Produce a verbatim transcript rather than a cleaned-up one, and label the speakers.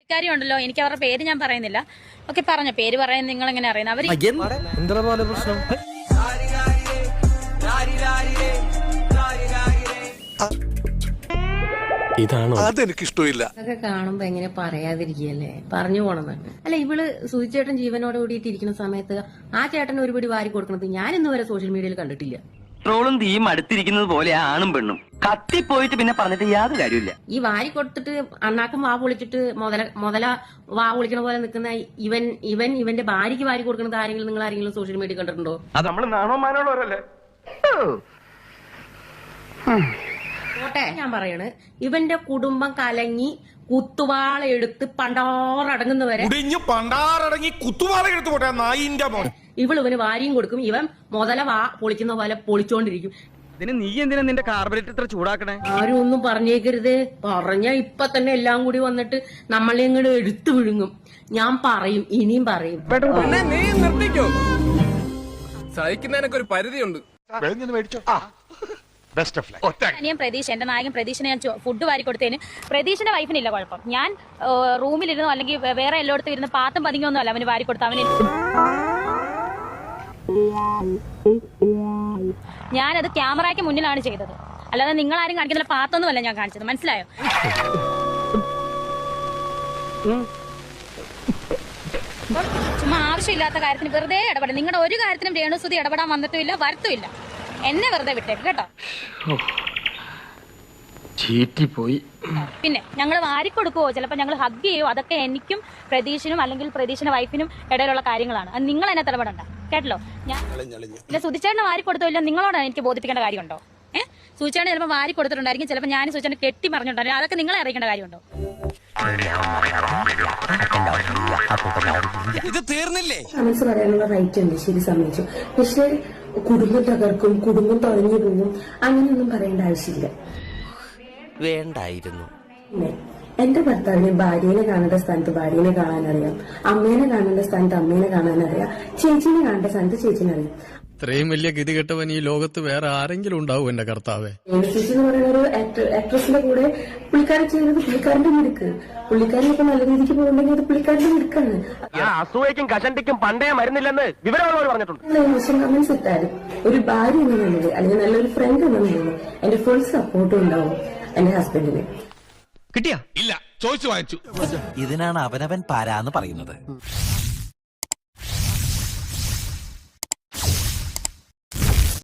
Speaker 1: കാര്യമുണ്ടല്ലോ, എനിക്ക് അവരുടെ പേര് ഞാൻ പറയുന്നില്ല. ഓക്കെ, പറഞ്ഞ പേര് പറയാൻ നിങ്ങൾ എങ്ങനെ അറിയുന്നത്? അവര്
Speaker 2: പ്രശ്നം ഇതാണോ? അതെനിക്ക് ഇഷ്ടമില്ല.
Speaker 3: അതൊക്കെ കാണുമ്പോ എങ്ങനെ പറയാതിരിക്കല്ലേ, പറഞ്ഞു പോണെന്ന്. അല്ല, ഇവള് സുചേട്ടൻ ജീവനോട് കൂടിയിട്ട് ഇരിക്കുന്ന സമയത്ത് ആ ചേട്ടൻ ഒരുപടി വാരി കൊടുക്കുന്നത് ഞാൻ ഇന്ന് വരെ സോഷ്യൽ മീഡിയയിൽ കണ്ടിട്ടില്ല.
Speaker 4: ട്രോളും തീയും അടുത്തിരിക്കുന്നത് പോലെ ആണും പെണ്ണും കത്തിപ്പോയിട്ട് പിന്നെ പറഞ്ഞിട്ട് യാതൊരു കാര്യമില്ല.
Speaker 3: ഈ വാരി കൊടുത്തിട്ട് അണ്ണാക്കും വാ പൊളിച്ചിട്ട് മുതല മുതല വാ പൊളിക്കണ പോലെ നിൽക്കുന്ന ഇവൻ ഇവൻ ഇവന്റെ ഭാര്യയ്ക്ക് വാരി കൊടുക്കുന്നത് ആരെങ്കിലും നിങ്ങൾ ആരെങ്കിലും സോഷ്യൽ മീഡിയ കണ്ടിട്ടുണ്ടോ?
Speaker 4: അത് നമ്മൾ നാണോ മാനോളവരല്ലേ.
Speaker 3: പോട്ടെ, ഞാൻ പറയണ്, ഇവന്റെ കുടുംബം കലങ്ങി കുത്തുവാള എടുത്ത് പണ്ടാറടങ്ങുന്നവരെ
Speaker 2: പണ്ടാറടങ്ങി കുത്തുവാള എടുത്തു പോട്ടെ നായിന്റെ മോൻ.
Speaker 3: ഇവൾ ഇവന് വാരിയും കൊടുക്കും, ഇവൻ മുതല വാ പൊളിക്കുന്ന പോലെ പൊളിച്ചോണ്ടിരിക്കും.
Speaker 4: ഇതിന് നീ എന്തിനാ നിന്റെ കാർബറേറ്റർ ഇത്ര ചൂടാക്കണേ?
Speaker 3: ആരും ഒന്നും പറഞ്ഞേക്കരുത്. പറഞ്ഞ ഇപ്പൊ തന്നെ എല്ലാം കൂടി വന്നിട്ട് നമ്മളെ ഇങ്ങോട്ട് എടുത്തു വിഴുങ്ങും. ഞാൻ പറയും, ഇനിയും പറയും.
Speaker 5: നീ നിർത്തിക്കോ, സഹിക്കുന്നതിനൊക്കെ ഒരു പരിധിയുണ്ട്.
Speaker 1: അനിയൻ പ്രതീഷ്, എന്റെ നായകൻ പ്രതീഷിനെ ഞാൻ ഫുഡ് വാരി കൊടുത്തതിന് പ്രതീഷിന്റെ വൈഫിനില്ല കുഴപ്പം. ഞാൻ റൂമിലിരുന്നോ അല്ലെങ്കിൽ വേറെ എല്ലായിടത്തും ഇരുന്ന് പാത്തും പതിങ്ങൊന്നും അല്ല അവന് വാരി കൊടുത്ത. അവന് ഞാനത് ക്യാമറയ്ക്ക് മുന്നിലാണ് ചെയ്തത്, അല്ലാതെ നിങ്ങൾ ആരും കാണിക്കുന്നില്ല പാത്തൊന്നുമല്ല ഞാൻ കാണിച്ചത്. മനസ്സിലായോ? ചുമ്മാ ആവശ്യമില്ലാത്ത കാര്യത്തിന് വെറുതെ ഇടപെടും. നിങ്ങളുടെ ഒരു കാര്യത്തിനും രേണുസുതി ഇടപെടാൻ വന്നിട്ടുമില്ല, വരത്തുമില്ല. എന്നെ വെറുതെ വിട്ടേക്ക് കേട്ടോ.
Speaker 2: പോയി.
Speaker 1: പിന്നെ ഞങ്ങൾ വാരിക്കൊടുക്കുവോ, ചിലപ്പോ ഞങ്ങൾ ഹഗ് ചെയ്യോ, അതൊക്കെ എനിക്കും പ്രതീഷിനും അല്ലെങ്കിൽ പ്രതീഷിന്റെ വൈഫിനും ഇടയിലുള്ള കാര്യങ്ങളാണ്. അത് നിങ്ങൾ എന്നെ തലപെടണ്ട കേട്ടല്ലോ. ഞാൻ ഇല്ല, സുധിച്ചേട്ടനെ വാരി കൊടുത്തോ ഇല്ല നിങ്ങളോടാണ് എനിക്ക് ബോധിപ്പിക്കേണ്ട കാര്യമുണ്ടോ? ഏഹ്, സുധിച്ചേട്ടൻ ചിലപ്പോൾ വാരി കൊടുത്തിട്ടുണ്ടായിരിക്കും, ചിലപ്പോൾ ഞാൻ സുധിച്ചേട്ടനെ കെട്ടി പറഞ്ഞിട്ടുണ്ടായിരിക്കും. അതൊക്കെ നിങ്ങളെ അറിയിക്കേണ്ട കാര്യമുണ്ടോ?
Speaker 5: ഇത് തീർന്നില്ലേ?
Speaker 3: മനസ്സ് പറയാനുള്ള റൈറ്റ് ഉണ്ട്, ശരി, സമ്മതിച്ചു. പക്ഷെ കുടുംബം തകർക്കും, കുടുംബം തുഴഞ്ഞു പോകും, അങ്ങനെയൊന്നും പറയേണ്ട ആവശ്യമില്ല.
Speaker 6: വേണ്ടായിരുന്നു.
Speaker 3: പിന്നെ എന്റെ ഭർത്താവിനെ ഭാര്യനെ കാണേണ്ട സ്ഥാനത്ത് ഭാര്യനെ കാണാനറിയാം, അമ്മേനെ കാണേണ്ട സ്ഥാനത്ത് അമ്മേനെ കാണാനറിയാം, ചേച്ചിനെ കാണേണ്ട സ്ഥാനത്ത് ചേച്ചിനെ അറിയാം.
Speaker 7: ഇത്രയും വലിയ ഗതികെട്ടവൻ ഈ ലോകത്ത് വേറെ ആരെങ്കിലും ഉണ്ടാവും എന്റെ കർത്താവേ?
Speaker 3: ചേച്ചി എന്ന് പറയുന്ന ഒരു ആക്ട്രസിന്റെ കൂടെ പുള്ളിക്കാരൻ ചെയ്യുന്നത് പുള്ളിക്കാരന്റെ മിടുക്ക്. പുള്ളിക്കാരൻ ഇപ്പൊ നല്ല രീതിക്ക് പോകുന്നുണ്ടെങ്കിൽ അത് പുള്ളിക്കാരന്റെ മിടുക്കാണ്.
Speaker 4: അസൂയക്കും കഷണ്ടിക്കും പണ്ടേ മരുന്നില്ലെന്ന് വിവരമുള്ളവർ പറഞ്ഞിട്ടുണ്ട്.
Speaker 3: ഇമോഷൻ കമന്റ്സ് ഇട്ടാലും ഒരു ഭാര്യ എന്ന നിലയിൽ അല്ലെങ്കിൽ നല്ലൊരു ഫ്രണ്ട് എന്ന നിലയിൽ എന്റെ ഫുൾ സപ്പോർട്ടും ഉണ്ടാവും എന്റെ ഹസ്ബൻഡിന്.
Speaker 5: കിട്ടിയാ? ഇല്ല, ചോദിച്ചു വാങ്ങിച്ചു.
Speaker 6: ഇതിനാണ് അവനവൻ പാരാന്ന് പറയുന്നത്.